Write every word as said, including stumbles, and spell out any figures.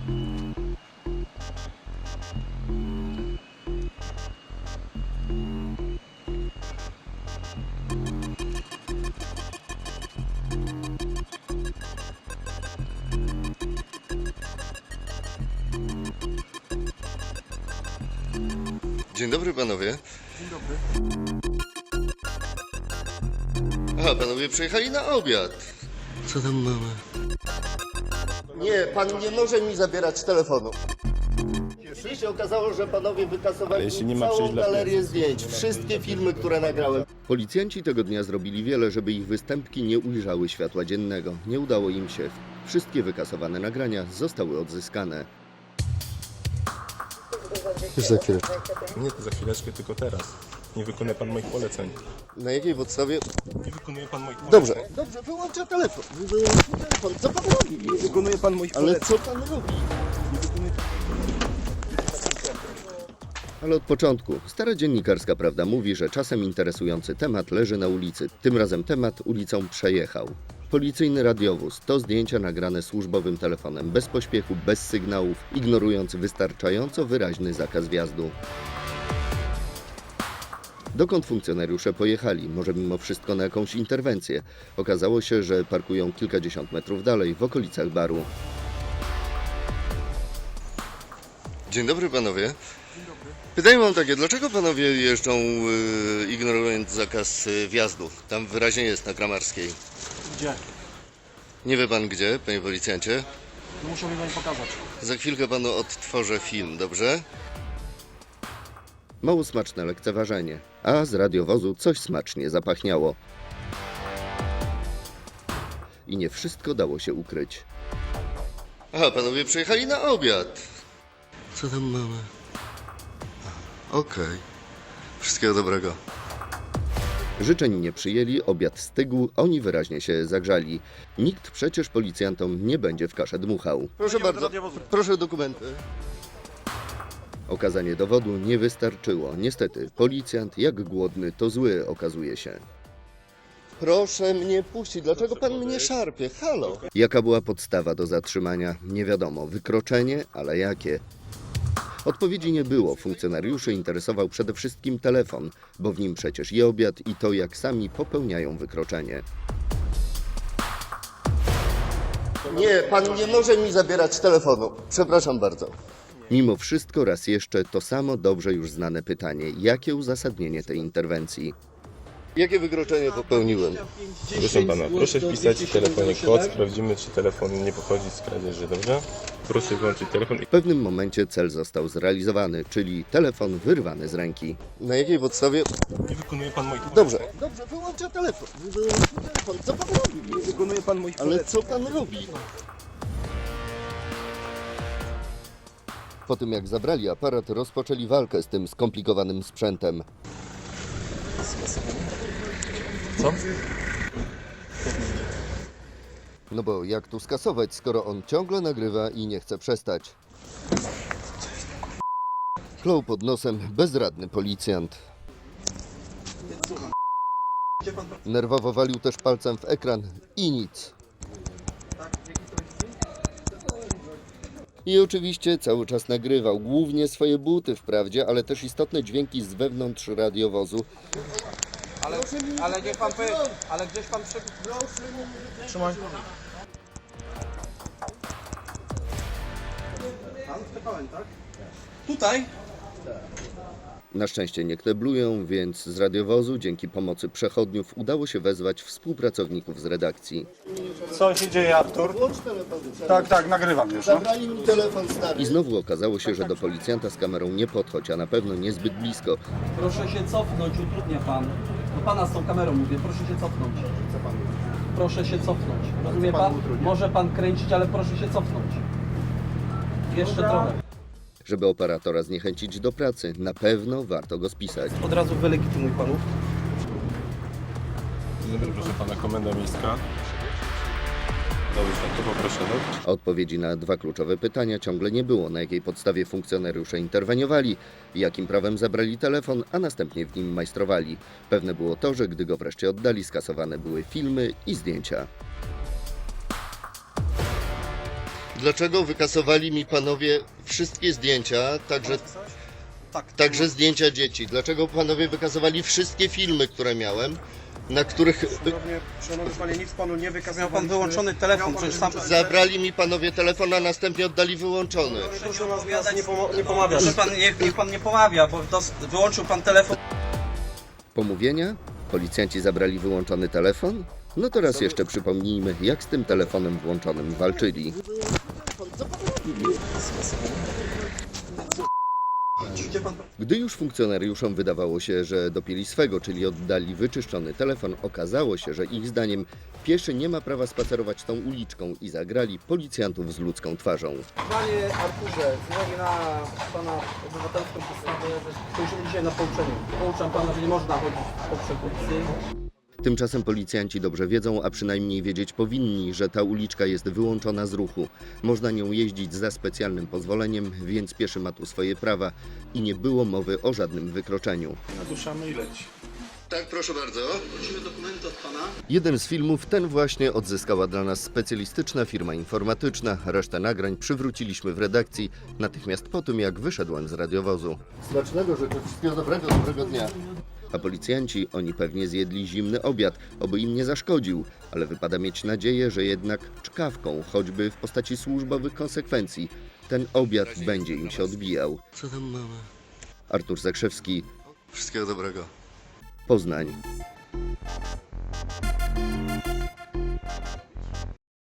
Dzień dobry panowie. Dzień dobry. Aha, panowie przyjechali na obiad. Co tam mamy? Nie, pan nie może mi zabierać telefonu. Później się okazało, że panowie wykasowali jeśli nie ma całą przejść dla galerię presji. zdjęć, wszystkie filmy, które nagrałem. Policjanci tego dnia zrobili wiele, żeby ich występki nie ujrzały światła dziennego. Nie udało im się. Wszystkie wykasowane nagrania zostały odzyskane. Już za chwileczkę. Nie to za chwileczkę, tylko teraz. Nie wykonuje pan moich poleceń. Na jakiej podstawie? Nie wykonuje pan moich poleceń. Dobrze, dobrze, wyłączę telefon. Wyłączę telefon. Co pan robi? Nie wykonuje pan moich Ale poleceń. co pan robi? Ale od początku stara dziennikarska prawda mówi, że czasem interesujący temat leży na ulicy. Tym razem temat ulicą przejechał. Policyjny radiowóz to zdjęcia nagrane służbowym telefonem, bez pośpiechu, bez sygnałów, ignorując wystarczająco wyraźny zakaz wjazdu. Dokąd funkcjonariusze pojechali? Może mimo wszystko na jakąś interwencję? Okazało się, że parkują kilkadziesiąt metrów dalej, w okolicach baru. Dzień dobry panowie. Dzień dobry. Pytanie mam takie, dlaczego panowie jeżdżą yy, ignorując zakaz yy, wjazdu? Tam wyraźnie jest na Kramarskiej. Gdzie? Nie wie pan gdzie, panie policjancie? No muszę mi pani pokazać. Za chwilkę panu odtworzę film, dobrze? Mało smaczne lekceważenie, a z radiowozu coś smacznie zapachniało. I nie wszystko dało się ukryć. Aha, panowie przyjechali na obiad. Co tam mamy? Okej. Okay. Wszystkiego dobrego. Życzeń nie przyjęli, obiad stygł, oni wyraźnie się zagrzali. Nikt przecież policjantom nie będzie w kaszę dmuchał. Proszę bardzo, proszę dokumenty. Okazanie dowodu nie wystarczyło. Niestety, policjant jak głodny, to zły okazuje się. Proszę mnie puścić, dlaczego pan mnie szarpie? Halo! Jaka była podstawa do zatrzymania? Nie wiadomo. Wykroczenie, ale jakie? Odpowiedzi nie było. Funkcjonariuszy interesował przede wszystkim telefon, bo w nim przecież i obiad, i to, jak sami popełniają wykroczenie. Nie, pan nie może mi zabierać telefonu. Przepraszam bardzo. Mimo wszystko raz jeszcze to samo dobrze już znane pytanie. Jakie uzasadnienie tej interwencji? Jakie wykroczenie popełniłem? Proszę pana, proszę wpisać w telefonie kod, sprawdzimy, czy telefon nie pochodzi z kradzieży, dobrze? Proszę wyłączyć telefon. W pewnym momencie cel został zrealizowany, czyli telefon wyrwany z ręki. Na jakiej podstawie? Nie wykonuje pan moich poleceń. Dobrze, dobrze, wyłączę telefon. Wyłączę telefon. Co pan robi? Nie wykonuje pan moich Ale poleceń. co pan robi? Po tym jak zabrali aparat, rozpoczęli walkę z tym skomplikowanym sprzętem. Co? No bo jak tu skasować, skoro on ciągle nagrywa i nie chce przestać? Klął pod nosem bezradny policjant. Nerwowo walił też palcem w ekran i nic. I oczywiście cały czas nagrywał, głównie swoje buty wprawdzie, ale też istotne dźwięki z wewnątrz radiowozu. Ale, ale niech pan powie, ale gdzieś pan przy... Trzymaj. Pan wstępałem, tak? Tutaj? Na szczęście nie kneblują, więc z radiowozu dzięki pomocy przechodniów udało się wezwać współpracowników z redakcji. Co się dzieje, Artur? Tak, tak, nagrywam już. No. Zabrali mi telefon stary. I znowu okazało się, że do policjanta z kamerą nie podchodź, a na pewno niezbyt blisko. Proszę się cofnąć, utrudnia pan. Do pana z tą kamerą mówię, proszę się cofnąć. Proszę się cofnąć. Rozumie pan? Może pan kręcić, ale proszę się cofnąć. Jeszcze trochę. Żeby operatora zniechęcić do pracy, na pewno warto go spisać. Od razu wylegitymuj panów. Dzień dobry, proszę pana, komenda miejska. Dobrze, to poproszę, tak? Odpowiedzi na dwa kluczowe pytania ciągle nie było. Na jakiej podstawie funkcjonariusze interweniowali, jakim prawem zabrali telefon, a następnie w nim majstrowali. Pewne było to, że gdy go wreszcie oddali, skasowane były filmy i zdjęcia. Dlaczego wykasowali mi panowie wszystkie zdjęcia, także, Tak. także zdjęcia dzieci? Dlaczego panowie wykasowali wszystkie filmy, które miałem, na których Szanowny, szanowny panie, nic panu nie wykazał. Miał pan wyłączony telefon, przecież sam... zabrali mi panowie telefon, a następnie oddali wyłączony? Proszę nas, nas nie, pomo- nie pomawiać. Proszę pan, niech, niech pan nie pomawia, bo dos- wyłączył pan telefon. Pomówienia? Policjanci zabrali wyłączony telefon? No to raz jeszcze przypomnijmy, jak z tym telefonem włączonym walczyli. Gdy już funkcjonariuszom wydawało się, że dopięli swego, czyli oddali wyczyszczony telefon, okazało się, że ich zdaniem pieszy nie ma prawa spacerować tą uliczką i zagrali policjantów z ludzką twarzą. Panie Arturze, z uwagi na pana obywatelską postawę, spojrzymy dzisiaj na pouczenie. Pouczam pana, że nie można chodzić po przekupcy. Tymczasem policjanci dobrze wiedzą, a przynajmniej wiedzieć powinni, że ta uliczka jest wyłączona z ruchu. Można nią jeździć za specjalnym pozwoleniem, więc pieszy ma tu swoje prawa i nie było mowy o żadnym wykroczeniu. Naduszamy i leci. Tak, proszę bardzo. Prosimy dokumenty od pana. Jeden z filmów, ten właśnie, odzyskała dla nas specjalistyczna firma informatyczna. Resztę nagrań przywróciliśmy w redakcji natychmiast po tym, jak wyszedłem z radiowozu. Smacznego życzę, wszystkiego dobrego, dobrego dnia. A policjanci, oni pewnie zjedli zimny obiad, oby im nie zaszkodził, ale wypada mieć nadzieję, że jednak czkawką, choćby w postaci służbowych konsekwencji, ten obiad będzie im się odbijał. Co tam mamy? Artur Zakrzewski. Wszystkiego dobrego. Poznań.